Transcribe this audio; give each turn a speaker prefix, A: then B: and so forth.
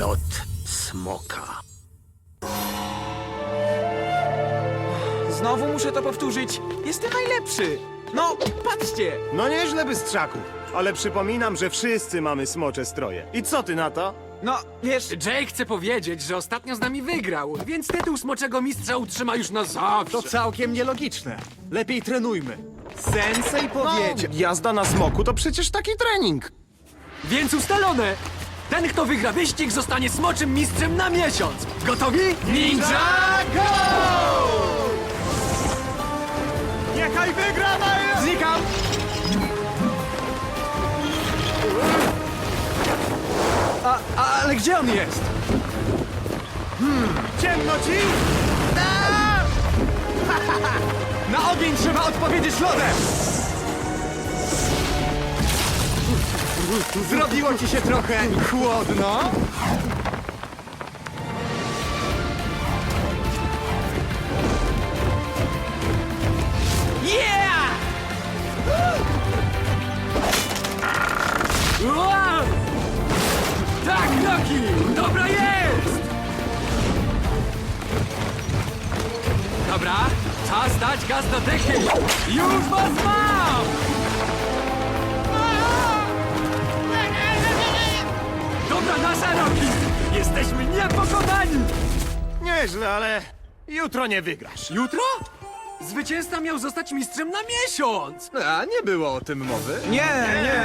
A: Lot smoka.
B: Znowu muszę to powtórzyć. Jestem najlepszy. No, patrzcie.
C: No nieźle, bystrzaku. Ale przypominam, że wszyscy mamy smocze stroje. I co ty na to?
B: No, wiesz,
D: Jay chce powiedzieć, że ostatnio z nami wygrał, więc tytuł smoczego mistrza utrzyma już na zawsze.
E: To całkiem nielogiczne. Lepiej trenujmy. Sensei powiedział...
C: Jazda na smoku to przecież taki trening.
D: Więc ustalone! Ten, kto wygra wyścig, zostanie smoczym mistrzem na miesiąc. Gotowi? Ninja go!
E: Niechaj wygra na... Znikam! Ale gdzie on jest?
C: Ciemno ci?
E: Na ogień trzeba odpowiedzieć lodem! Zrobiło ci się trochę chłodno?
D: Yeah! Wow! Tak, Rocky! Dobra jest! Dobra, czas dać gaz do dechy! Już was mam! Dobra nasza, Rocky! Jesteśmy niepokonani!
C: Nieźle, ale jutro nie wygrasz.
D: Jutro? Zwycięzca miał zostać mistrzem na miesiąc!
E: A nie było o tym mowy.
B: nie,